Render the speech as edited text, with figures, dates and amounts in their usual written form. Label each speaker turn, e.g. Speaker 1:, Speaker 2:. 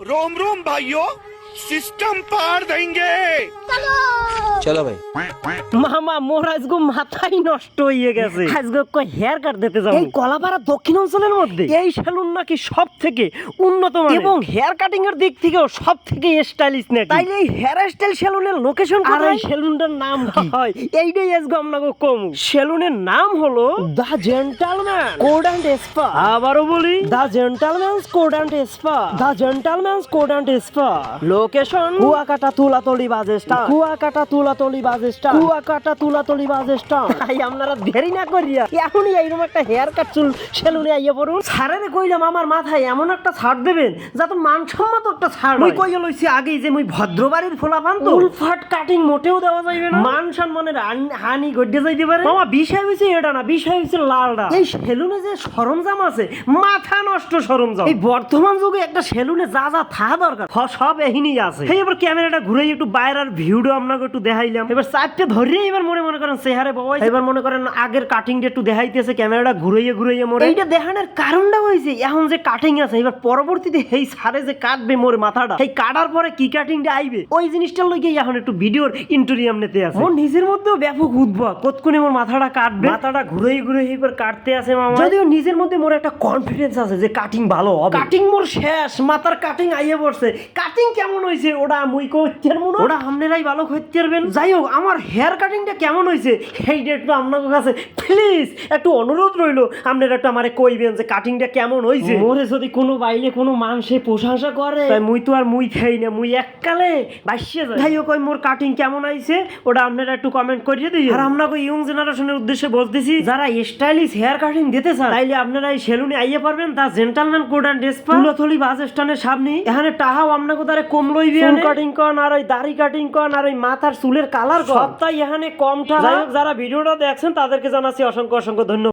Speaker 1: रोम रोम भाइयों, सिस्टम पार देंगे।
Speaker 2: চলো ভাই।
Speaker 3: মামা মোর আজকে মাথাই নষ্ট হয়ে গেছে। আজকে কই হেয়ার কাট দিতে যাব এই কলাপাড়া দক্ষিণ অঞ্চলের মধ্যে। এই সেলুন নাকি সব থেকে উন্নত মানের এবং হেয়ার কাটিং এর দিক থেকেও সব থেকে স্টাইলিশ নাকি। তাইলে এই হেয়ার স্টাইল সেলুনের লোকেশন কোথায়? আর এই সেলুনটার নাম কি হয়? এইটাই আজকে আপনাকে কম। সেলুনের নাম হলো the gentleman code and spa. আবারো বলি, the gentleman's code and spa. The gentleman's code and spa. Location Kuakata Tulatali bus stand. Kuakata Tulatali bus stand. Kuakata Tulatali bus stand. তাই আপনারা দেরি না করিয়া এখনই এইরকম একটা হেয়ার কাট চুল সেলুনে আইয়া পড়ুন। স্যারেরে কইলাম আমার মাথায় এমন একটা ছাড় দেবেন যাতে মানসম্মত একটা ছাড়। মুই কইয়া লইছি আগেই যে মুই ভদ্রবাড়ির ফোলাপান তো উলফাট কাটিং মোটেও দেওয়া যাইবে না। মান সম্মানের হানি গড়ে যাইতে পারে। মামা বিষয় হইছে এটা না, বিষয় হইছে লালডা। এই সেলুনে যে সরঞ্জাম আছে মাথা নষ্ট সরঞ্জাম। এই বর্তমান যুগে একটা সেলুনে যা যা থাকা দরকার সব এহিনি আছে। এই এবার ক্যামেরাটা ঘুরে একটু বাইরের ভিউটা আপনাকে একটু দেখাইলাম। এবার চারটে ধরে এবার মনে করেন চেহারে বাবা এবার মনে করেন আগের কাটিংটা একটু দেখাইতেছে ক্যামেরাটা ঘুরাইয়ে মরে। এইটা দেখানোর কারণটা হইছে এখন যে কাটিং আছে এবার পরবর্তীতে এই সারে যে কাটবে মোর মাথাটা এই কাটার পরে কি কাটিংটা আইবে ওই জিনিসটা লইগে এখন একটু ভিডিওর ইন্টোরিয়াম নিতে আছে। মোর নিজের মধ্যেও ব্যাপক উদ্ভব কতক্ষণে মোর মাথাটা কাটবে। মাথাটা ঘুরে এবার কাটতে আছে মামা। যদিও নিজের মধ্যে মোর একটা কনফিডেন্স আছে যে কাটিং ভালো হবে। কাটিং মোর শেষ, মাথার কাটিং আইয়ে পড়ছে। কাটিং কেমন হইছে ওটা মুই কইতে মনে ওটা আপনারাই ভালো কইতে পারবেন। যাই হোক আমার হেয়ার কাটিংটা কেমন হইছে এইটা একটু আপনাদের কাছে প্লিজ একটু অনুরোধ রইলো আপনারা একটু আমারে কইবেন যে কাটিংটা কেমন হইছে। মোরে যদি কোনো বাইলে কোনো মানুষে প্রশংসা করে তাই মুই তো আর মুই খাই না, মুই এককালে বাইসে যাই। যাই হোক মোর কাটিং কেমন হইছে ওটা আপনারা একটু কমেন্ট করিয়ে দিই। আর আপনাকে ইয়ং জেনারেশনের উদ্দেশ্যে বলতেছি যারা স্টাইলিশ হেয়ার কাটিং দিতে চান তাইলে আপনারা এই সেলুনে আইয়ে পারবেন। The gentleman code and spa Tulatali bus স্ট্যান্ডের সামনে। এখানে টাহাও আপনাকে তারে কম লইবে। চুল কাটিং করেন আর ওই দাড়ি কাটিং করেন আর ওই মাথার চুলের কালার সবটাই এখানে কমটা। যাই হোক যারা ভিডিওটা দেখছেন তাদেরকে জানাচ্ছি অসংখ্য ধন্যবাদ।